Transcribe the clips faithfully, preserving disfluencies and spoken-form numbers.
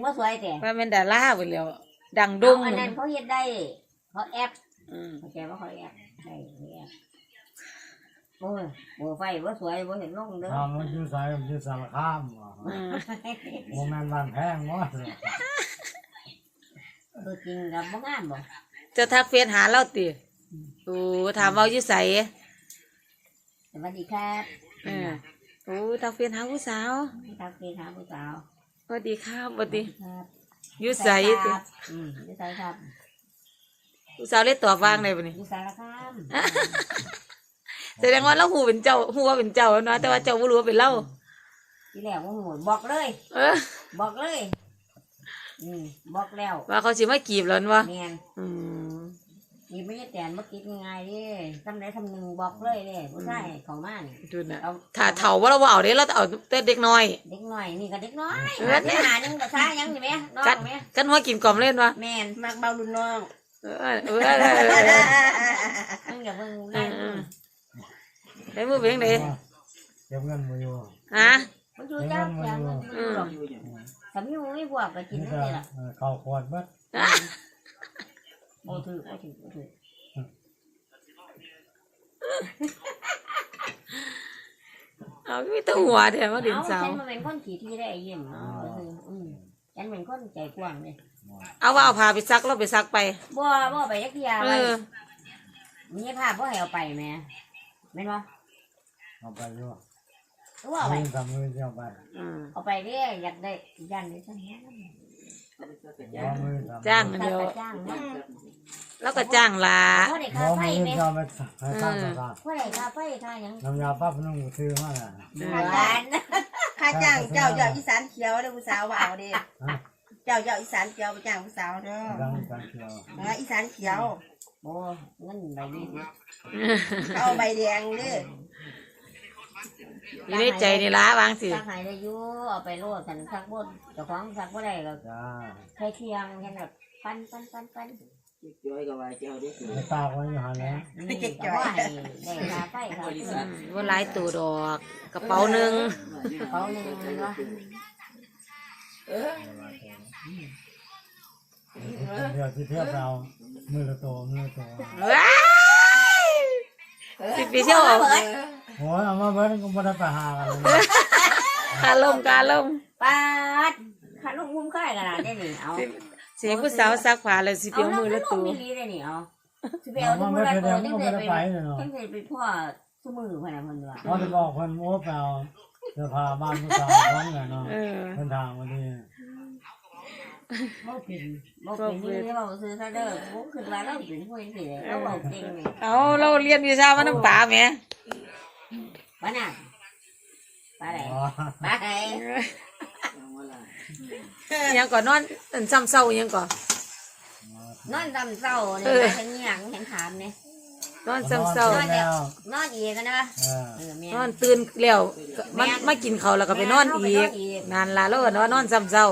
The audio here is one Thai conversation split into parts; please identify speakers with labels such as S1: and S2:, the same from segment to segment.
S1: บ่สวยแต่
S2: ว่าเป็นดาราไปแล้วดังดุ้ง
S1: อันนั้นเขาเฮ็ดได้เขาแอปเขาแกว่าเขาแอปได้แอปโอ้ยบ่ไฟบ่สวยบ่เห็นลงเด้อ
S3: ทำมันอยู่ใส่มันอยู่สารคามโมเมนต์บ้านแพงวะ
S1: ตัวจริงกับบ่งามบ่
S2: จะทักเฟซหาเราติโอ้ถามเว้าอยู่ไส
S1: สวัสดีครับ
S2: เออโอ้ทักเฟซหาผู้สาว
S1: ทักเฟซหาผู้สาว
S2: สวัสดีครับสวัสดี
S1: ครับ
S2: อยู่ไสติ
S1: อืมอยู่ไสครับ
S2: ผู้สาวเลยตอบว่างได้บ่นี่
S1: อยู่สารคาม
S2: แสดงว่าเราฮู้เป็นเจ้าฮู้ว่าเป็นเจ้าเนาะแต่ว่าเจ้าบ่รู้ว่าเป็นเรา
S1: ที่แรกบ่ฮู้บอกเลย
S2: เออ
S1: บอกเลยอืมบอกแล้ว
S2: ว่าเขาสิมากีบแล้วบ่
S1: แม่น
S2: อืม
S1: นี่ไม่ใช่แต่บ่คิดง่ายๆเด้ทำได้ทำหนึ่งบอกเลยเด้ผู้ชายเข้ามานี่
S2: ดูน่ะถ้าเฒ่าบ่เราบ่เอาเด้เราเอาแต่เด็กน้อย
S1: เด็กน้อยนี่ก็เด็กน้อยเออหานึงก็ซ่ายังนี่แม่น้องแม่
S2: กันหัวกินกล่อมเล่นบ่
S1: แม่นมักเบารุ่นน้อง
S2: เออเออ
S1: อันอย่าเพิ่งเล่น
S2: ได้มือเบ่งได้
S3: เก็บเงินมาอยู่
S2: ฮะ
S1: มันอยู่จังจังมันอยู่หรอกสามีมึงไม่บวกก็กินได้ล่ะ
S3: เข้าขวดบัด
S1: โอ้ถือโอ้ถือโอ้ถือ
S2: เอาไม่ต้องหัวเดี๋ยวมาดินสาว
S1: ฉันมาเป็นคนขี่ที่ได้เยี่ยมเนาะอืมฉันเป็นคนใจกว้างเลย
S2: เอาว่าเอาผ้าไปซักแล้วไปซักไป
S1: บ่บ่ไปยักยาไปมีผ้าบ่ให้เอาไปแม่แม่นบ่
S3: เอาไปอยู่
S1: ว่าเอาไป
S3: ทำมือเอาไป
S1: เอาไปเด้อยากได้ยันได้ซั่น
S2: จ้างเดียวแล้วก็จ้างลา
S1: พ่อได้ค่าไฟแม่
S3: พ่อ
S1: ได้ค่าไฟค่าหยัง
S3: น้ำยาปั๊บนุ่งซื้อมาน่ะ
S1: ค่าจ้าง
S4: ค่าจ้างเจ้าเจ้าอีสานเขียวเด้อผู้สาวว่าเอาเด้เจ้าเจ้าอีสานเขียวไปจ้างผู้สาวเด้ออีสานเขียว
S1: โอ้เงินใบนี้
S4: เอาใบแดงเด้อ
S2: อยู่ในใจนี่ละวางสิ
S1: ซักให้ได้อยู่เอาไปโลดกันซักบ่เจ้าของซักบ่ได้ก็ใช้เคียงแค่แบบปั้นปั้นปั้นปั้น
S5: จ้อยกับว่าเจ้าได้สิ
S3: ตากไว้อยู่หั่นแหละ
S1: เก็บจ้อยได้ค่าไฟค่ะ
S2: บ่หลายตัวดอกกระเป๋านึง
S1: กระเป๋านึงเนาะ
S3: เออเดี๋ยวที่เทียบเรามือละโตมือละโต
S2: ว้ายสิไปเที่ยวออก
S3: โอ้ยเอามาเบิ้ลก็บ่ได้ไปหากัน
S2: คาลมคาลม
S1: ปาดคาลมมุมค่ายขนาดนี้นี่เอา
S2: สิผู้สาวซักผ้าแล้วสิไปเอามือละตัว
S1: มีลีได้นี่เอาสิไปเอาทุกมือละตัวจังได๋ไปจังได๋ไปพ่อซุมือเพิ่นน่ะเพิ่นว่า
S3: เขาจะบอกเพิ่นโม้เปล่าเสื้อผ้าบ้านผู้สาวพร้อมกันเนาะเพิ่นทางวันนี้
S1: บ่เป็นบ่เป็นนี่เว้าซื่อซะเด้อบ่คิดว่าเราเป็นผู้จังซี่เราเว้าเก่งนี่
S2: เอาเราเรียนวิชามานำป่าแหม
S1: บ้านน่ะปลาไหนปลาไหน
S2: ยังก่อนนอนซ้ำเศร้ายังก่อน
S1: นอนซ้ำเศร้าเนี่ยเห็นหยังเห็นถามเนี่ย
S2: นอนซ้ำเศร้าน
S1: นอนอีกกันนะ
S2: นอนตื่นแล้วมันมากินเขาแล้วก็ไปนอนอีกนานละแล้วก็นอนนอนซ้ำเศร้า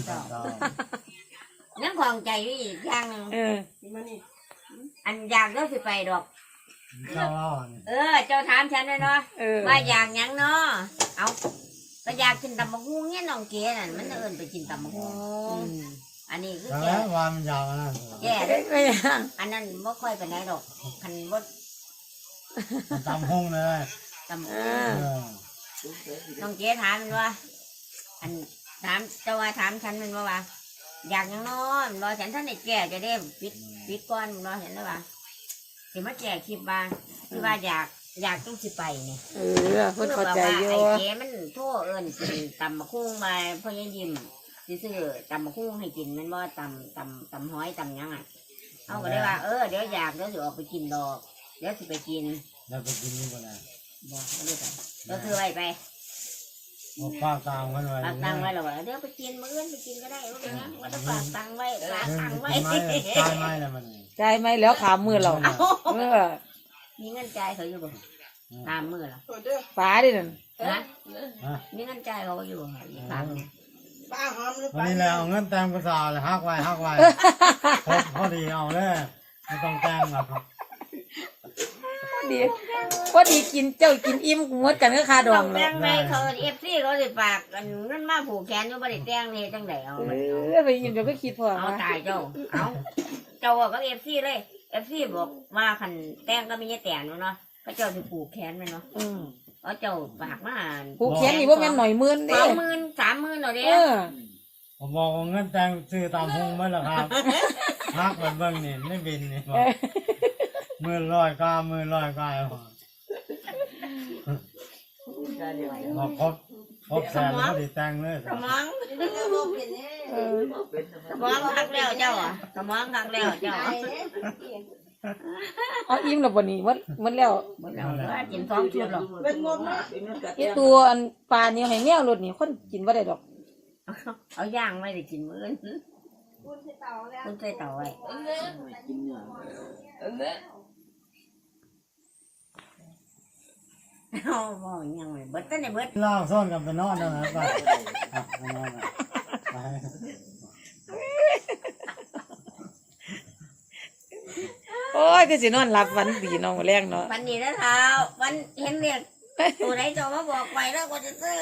S1: ยังของใจอยู่อีกอย่างนึงอันอยากเลิกสิไปดอกเออเจ้าถามฉันเลยเนาะว่าอยากยังเนาะเอาก็อยากกินตำมะฮุ่งเนี่ยน้องเก๋น่ะมันเอิ้นไปกินตำมะฮุ่งอันนี้คือ
S3: แก่วันยาวนะ
S1: แก่อันนั้นไม่ค่อยไปไหนดอกคันบ่
S3: ตำห้องเลย
S1: ตำน้องเก๋ถามมันว่าอันถามเจ้าว่าถามฉันมันว่าว่าอยากยังนอนรอฉันท่านได้แก่จะได้ปิดปิดก้อนรอเห็นแล้วว่าสิมาแก่คลิปบ้างคือว่าอยากอยากต้องสิไปเนี่ย
S2: เออเพิ่นเข้าใจอยู่
S1: ไอ้เก๋มันโทษเอิ้นกินตำมะคุ้งมาพ่อยังยิ้มซื้อตำมะคุ้งให้กินมันว่าตำตำตำห้อยตำยังอ่ะเอาก็ได้ว่าเออเดี๋ยวอยากเดี๋ยวสิออกไปกินดอกเดี๋ยวสิไปกิน
S3: แล้วไปกินนี่บ่ได้
S1: บ่ไม่ได้ไปก็คือไว้ไป
S3: ฝากตังไว้ไว้
S1: ฝากตังไว้แล้วเดี๋ยวไปกินมื้ออื่นไปกินก็ได้ว่าเป็นหยังว่าจะฝากตังไว้ฝากตังไว้
S3: จ่ายไหมแล้วมัน
S2: จ่ายไหมแล้วขามือเราเออ
S1: มีเงินจ่ายเขาอยู่บ่ตามมือเหรอ
S2: ฟ้าดินั่น
S1: นะมีเงินจ่ายเขาอยู่ตาม
S4: ป้าหอมหรือ
S3: เปล่าวันนี้แล้วเงินแตงภาษาเลยฮักไว้ฮักไว้พอพอดีเอาเลยไม่ต้องแตงหรอก
S2: ดีพอดีกินเจ้ากินอิ่มหมดกันก็คาด
S1: ต้
S2: อ
S1: อง ง
S2: เล
S1: แต่
S2: ย
S1: งในเขาเอฟซีเขาสิฝากกันนั่นมาผูกแขนอยู่บ่ได้แต่งนี่จังไดเอา
S2: เออไปยินเดี๋ยวก็คิดพอ
S1: เอา
S2: ว่า
S1: ตายเจ้าเอาเจ้าก็เอฟซีเลยเอฟซีบอกว่าคันแต่งก็มีแต่งเนาะก็เจ้าสิผูกแขนแม่เนาะ
S2: อืม
S1: เอาเจ้าฝากมา
S2: ผูกแขนนี่ว่าแม่นหน่อยหมื่น
S1: ส
S2: เด้
S1: องหมื่นสามหมื่นเนาะเด้
S2: เออ
S3: ผมบอกว่าเงินแต่งซื้อตามพุงไหมล่ะครับฮักมันเบิ่งนี่ไม่บินนี่บอกมือลอยกามือลอยกายบอกครบครบแสนแล้วก็ติแต่งเลย
S1: สมอง
S2: เออ
S1: สมองคักแล้วเจ้าอ่ะสมองคักแล้วเจ้า
S2: เอาอิ่มแล้วบ่นี่หมดหมดแล้ว
S1: บ่แล้วว่ากินสองชุดหรอก
S4: เป็นงบนะ
S2: ไอ้ตัวอันปลานี่ให้แมวรถนี่คนกินบ่ได้ดอก
S1: เอาย่างไม่ได้กินมื้อนี้
S4: คุณใส่เตาแล้ว
S1: คุณใส่เต่าไว้
S5: กินเนื้อ
S1: เอาบ่ยังไม่เบิดแต่ในเบิด
S3: ล่างซ่อนกันไปนอนนะครับไปอ่ะไปนอนอ่ะไป
S2: โอ้ยก็สินอนหลับฝันดีเนาะมื้อแรงเนาะ
S1: วันนี้นะเท้าวันเห็นเรียกตัวไหนเจ้ามาบอกไว้แล้วก็จะซื้อน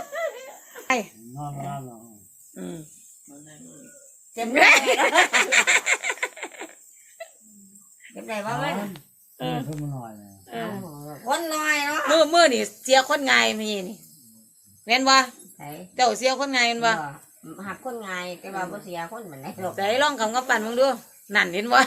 S3: อนนอนนอน
S2: อืม
S1: เจ็บได้เจ็บได้บ้างไหม
S3: เออขึ้นมาหน่อยเลย
S2: เออ
S1: คนน้อยเนาะ
S2: มื้อมื้อนี่เสียคนง่ายมีนี่แม่นบ่
S1: ใส่
S2: เจ้าเสียคนง่ายแม่นบ่
S1: หักคนง่ายแต่ว่าบ่เสียคนเหมือนไหนหรอก
S2: ใส่ลองคำกับปั่นมึงดูนั่นเห็นบ่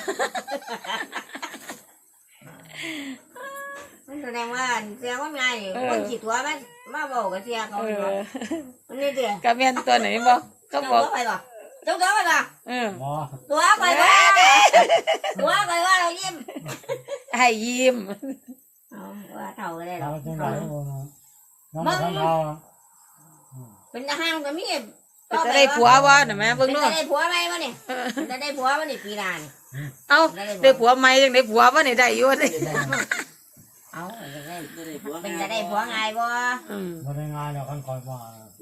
S1: มันแสดงว่าเสียคนง่ายคนจิตตัวมันมาบอกกับเสียเขา
S2: เอ
S1: เนาะ
S2: อ
S1: มันนี่เดียว
S2: ก็แม่นตัวไหนบ่ก็
S1: เจ้า
S2: บอก
S1: ตัวไปบ่เจ้าตัวไปบ่
S2: เออ
S3: หมอ
S1: ตัวไปบ่ตัวไปว่าเรายิ้ม
S2: ให้ยิ้ม
S1: เอาว่าเท่าก็ได้หร
S3: เรา
S1: อก
S3: จังไรก็บอกนะน้องมาทำเรา
S1: เป็นทหารก็มี
S2: จะได้ผัวบ่น่ะแม่เบิ่ง
S1: เป็น
S2: ดู
S1: จะได้ผัวไหมวะนี่จะได้ผัววะนี่ปีหน้านี่
S2: เอ้าได้ผัวใหม่จังได้ผัวบ่นี่ได้อยู่นี่
S1: เอาจะได้
S5: ไม่ได้ผัว
S1: เป็นจะได้ผัวง่ายบ่
S2: อืม
S3: มาได้งานแล้วคันคอยมา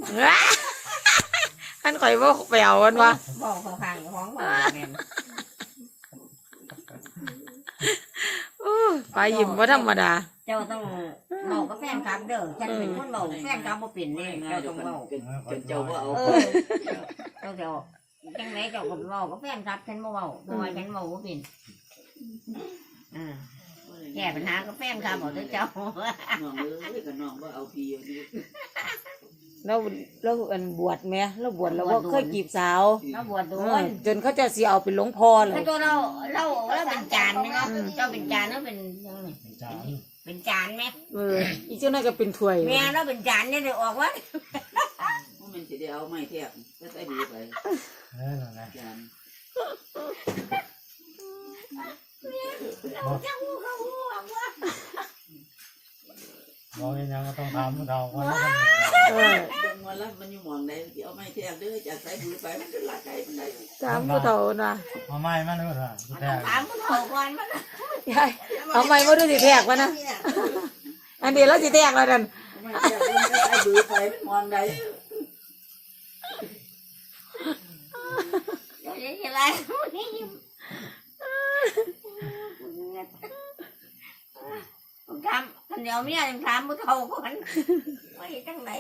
S2: อันข่อยบ่ไปเอามันว่า
S1: บอกเขาข้างของบ่แม่น
S2: ไปยิ้มบ่ธรรมดา
S1: เจ้าต้องเมากับแฟนคลับเด้อฉันเป็นคนเมาแฟนคลับบ่เป็นเด้
S5: ง่า
S1: เจ้าย ต้อง
S5: เจ้า
S1: เมา
S5: เป็นเจ้าว่าเอา
S1: เออเจ้าเจ้าจังไหนเจ้าก็เมากับแฟนคลับฉันบ่เมาเพราะว่าฉันเมาบ่เป็นอ่าแก้ปัญหากับแฟนคลับเอาเด้อเจ้า
S5: น้องเอ้ยกับน้องว่าเอาพี่เอาดี
S2: แล้วแล้วอันบวชแม่แล้วบวชแล้วก็เคยจีบสาว
S1: เราบวชโด
S2: เออน จนเขาเจะสิเอาเป็นหลวงพ่อเล
S1: ถ้าย ตัวเราเราเราเป็นจานไหมเนาะเจ้าเป็นจานเนาะเป็นยังไง
S3: จาน
S1: เป็นจานไหม
S2: เอออีเจ้านั่นก็เป็นถ้วย
S1: แม่เราเป็นจานเนี่ยเดี๋ยวออกว่า
S5: ว่ามันจะได้เอาไม้แทบก็ได้ดีไป
S3: เออนั่นแหละ
S5: จาน
S1: จังหูเขาหูออกว่า
S3: บอกยังก็ต้องทำเราคนนั้น
S2: เออ
S5: เบิ่งว่าแล้วมันอยู่หมองใดที่เอาไม้แทบเด้อจากใส่บือไปมันจะละใจมันได้
S2: ถามผู้เฒ่านะ
S3: เอาไม้มาดูเถอะ
S1: มัน
S3: แต่
S1: ต้องถามผู้เฒ่าก่อนมัน
S2: ยายเอาไม้มาดูสิแทกวะนะอันเดียวเราสิแทกแล้วนั่น
S5: เอาไม้แทบมันจะใส่บือไปมันมองใด
S1: เดี๋ยวจะอะไรนี่ต้องถามคนเดียวเมียต้องถามผู้เฒ่าก่อนว่าจังไหน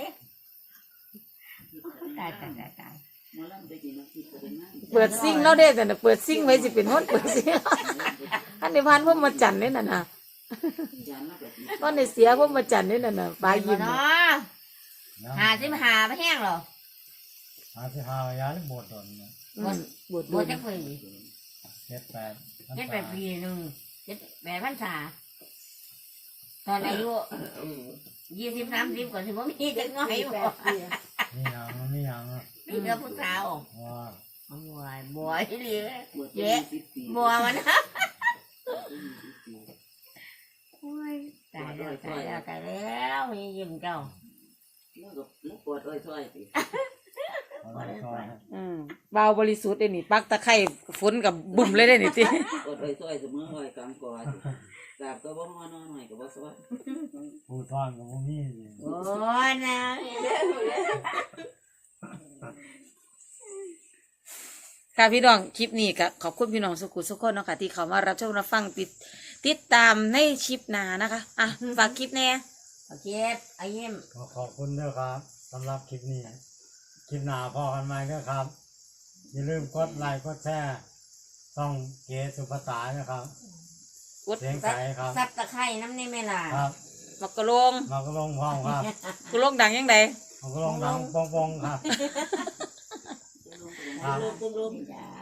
S1: ตายตายตายตาย
S5: หมอลำไปกินน้ำพริกก็เป็นง่าย
S2: เปิดซิ่งเราได้แต่น่ะเปิดซิ่งไว้สิเป็นคนเปิดซิ่งอันในพันพวกมาจันนี่น่ะนะ
S5: จานละแบบนี้
S2: ตอนในเสียพวกมาจันนี่น่ะนะปลายิ้ม
S1: เนาะหาสิมาหาไม่แห้งหรอ
S3: หาที่หายาที่บวชตน
S2: อืมบวช
S1: บ
S2: ดู
S1: วชจักปี
S3: เจ็ดแปด
S1: เจ็ดแปดปีหนึ่งเจ็ดแปดพรรษาตอนอายุยี่สิบสามสิบกว่าสิบมีจักน้อยบ่
S3: นี่ยังนี่ยัง
S1: มีเรือผู้สาว
S3: ว่า
S1: บวยบวยเหลือบ
S5: วชยี่สิบปี
S1: บัวมันนะโอ้ยตายแล้วตายแล้วตายแล้วมียิ้มเจ้า
S5: แล้วก็แล้วปวดอ้อยซ้อยสิ
S3: อะไรซอย
S2: อืมเบาบริสุทธิ์ได้นี่ปักตะไคร้ฝนกับบุ่มเลยได้นี่ติ
S5: ปวดอ้อยซ้อยเสมออ้อยกลางกอสิกราบก็บ่ฮ้อนหน่อยก็บ่ซ้อย
S3: ผู้ซ่อนกับผู้มี
S1: โอ้ยนะ
S2: ค่ะพี่น้องคลิปนี้ก็ขอบคุณพี่น้องสุขุสุขคนเนาะค่ะที่เขามารับชมรับฟังติดติดตามในคลิปหน้านะคะอ่ะฝากคลิปแน่
S1: โอเคไอ้ยิ้ม
S3: ขอขอบคุณด้วยครับสำหรับคลิปนี้คลิปหน้าพอกันไหมด้วยครับอย่าลืมกดไลค์กดแชร์ช่องเก๋สุภาษานะครับ
S2: กด
S3: เสียงใสครับ
S1: ซับตะไคร้น้ำนี่ไหมล่ะ
S3: ครับ
S2: มักกะลง
S3: มากระลงพร้อมครับ
S2: กะลงดังยังไง
S3: มากระลงดังปองๆครับ ครับ
S5: ลงลง
S1: จ้า